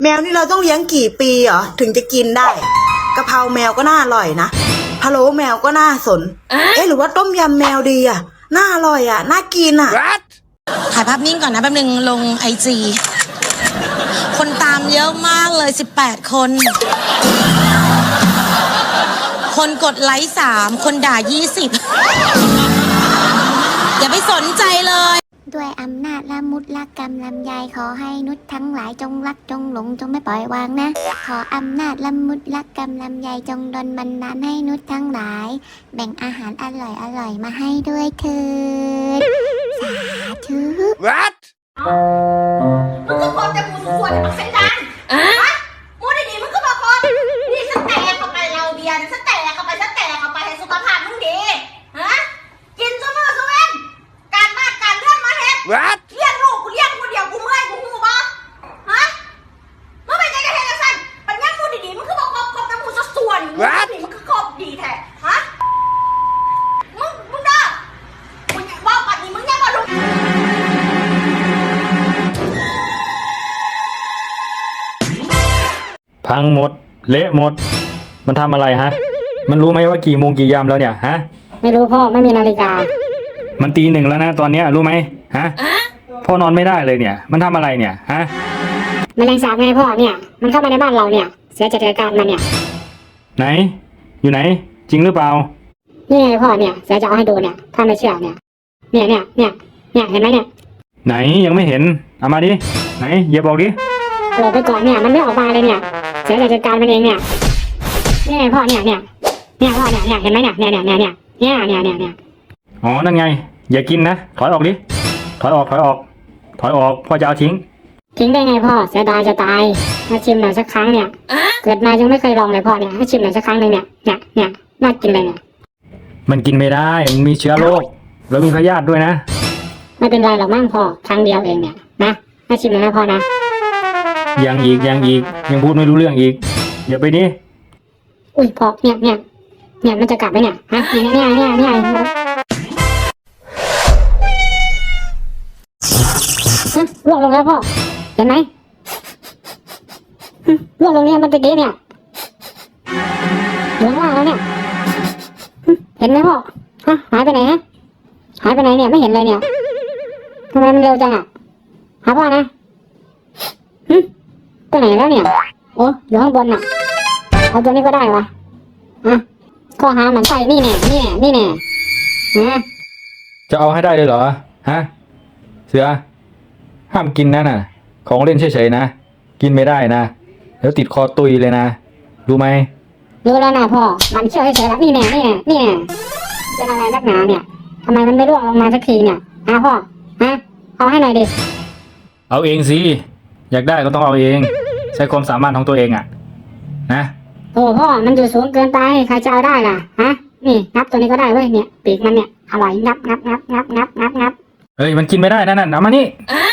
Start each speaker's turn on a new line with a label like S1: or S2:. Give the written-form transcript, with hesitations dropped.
S1: แมวนี่เราต้องเลี้ยงกี่ปีเหรอถึงจะกินได้กะเพราแมวก็น่าอร่อยนะพะโล้แมวก็น่าสนหรือว่าต้มยำแมวดีอ่ะน่าอร่อยอ่ะน่ากินอ่ะ
S2: ถ่ายภาพนิ่งก่อนนะแป๊บนึงลงIG คนตามเยอะมากเลย18 คนคนกดไลค์3คนด่า20อย่าไปสนใจเลย
S3: ด้วยอำนาจละมุดละกรรมลำไยขอให้นุชทั้งหลายจงรักจงหลงจงไม่ปล่อยวางนะขออำนาจละมุดละกรรมลำไยจงดลบันดาลให้นุชทั้งหลายแบ่งอาหารอร่อยมาให้ด้วยเถิดสาธุ
S4: What
S5: มึงก็กดแต่มูส่วนแต่ปักเส้นดันมูดีๆมึงก็บอกคนนี่สแตกเข้าไปเราเบียร์สแตกเข้าไปให้สุขภาพมึงดีฮะกินซุมื้อซุเว้นการบ้านการเลื่อนมาเฮ็ด
S4: What
S5: เลี้ยงลูกกูเลี้ยงคนเดียวกูเมื่อยกูหูบ่ฮะมึงเป็นใจกระเทยจังซั่นปัญญามูดีๆมึงก็บอกครบแต่มูส่วนนี่มึงก็ครบดีแท้ฮะมึงเด้อมึงว่าปัดนี้มึงยังบ่รู้
S6: พังหมดเละหมดมันทำอะไรฮะมันรู้ไหมว่ากี่โมงกี่ยามแล้วเนี่ยฮะ
S7: ไม่รู้พ่อไม่มีนาฬิกา
S6: มันตี 1แล้วนะตอนเนี้ยรู้ไหมฮะพ่อนอนไม่ได้เลยเนี่ยมันทำอะไรเนี่ยฮะ
S7: แมลงสาบไงพ่อเนี่ยมันเข้ามาในบ้านเราเนี่ยเสียจัดการมันเนี่ย
S6: ไหนอยู่ไหนจริงหรือเปล่า
S7: นี่ไงพ่อเนี่ยเสียจะเอาให้ดูเนี่ยถ้าไม่เชื่อเนี่ยเห็นไหมเนี่ย
S6: ไหนยังไม่เห็นเอามาดิไหนอย่าบอกดิ
S7: หลบไปก่อนเนี่ยมันไม่ออกมาเลยเนี่ยเสียจัดการมันเองเนี่ยนี่ไงพ่อเนี่ยพ่อเนี่ยเห็นไหมเนี่ย
S6: อ๋อนั่นไงอย่ากินนะถอยออกดิถอยออกพ่อจะเอาทิ้ง
S7: ได้ไงพ่อเสียดายจะตายมาชิมหน่อยสักครั้งเนี่ยเกิดมายังไม่เคยลองเลยพ่อเนี่ยให้ชิมหน่อยสักครั้งหนึ่งเนี่ยน่ากินเลยเนี่ย
S6: มันกินไม่ได้มันมีเชื้อโรคแล้วมีพยาธิด้วยนะ
S7: ไม่เป็นไรหรอกมั่งพ่อครั้งเดียวเองเนี่ยนะให้ชิมหน่อยนะพ่อนะ
S6: ยังอีกยังพูดไม่รู้เรื่องอีกอย่าไปดิ
S7: อุ้ยพ่อเนี่ยมันจะกลับไหมเนี่ยฮะเนี่ยล่วงลงแล้วพ่อเห็นไหมล่วงลงเนี่ยมันตะกี้เนี่ยอยู่ข้างล่างแล้วเนี่ยเห็นไหมพ่อฮะหายไปไหนเนี่ยไม่เห็นเลยเนี่ยทำไมมันเร็วจังอ่ะหาพ่อนะไปไหนแล้วเนี่ยโอ้อยู่ข้างบนน่ะเอาตัวนี้ก็ได้วะข้อหามันใส่นี่แน่นะ
S6: จะเอาให้ได้เลยเหรอฮะเสือห้ามกินนะน่ะของเล่นเฉยๆนะกินไม่ได้นะเดี๋ยวติดคอตุยเลยนะรู้ไหม
S7: รู้แล้วนะพ่อมันเชื่อเฉยๆแล้วนี่แน่เป็นอะไรนักหนาเนี่ยทำไมมันไม่ร่วงลงมาสักทีเนี่ยพ่อเอาให้หน่อยดิ
S6: เอาเองสิอยากได้ก็ต้องเอาเองใช้ความสามารถของตัวเองอ่ะนะ
S7: โอ้พ่อมันอยู่สูงเกินไปใครจะเอาได้ล่ะนี่งับตัวนี้ก็ได้เว้ยเนี่ยปีกมันเนี่ยอร่อยงับ
S6: เฮ้ยมันกินไม่ได้นั่นเอามานี่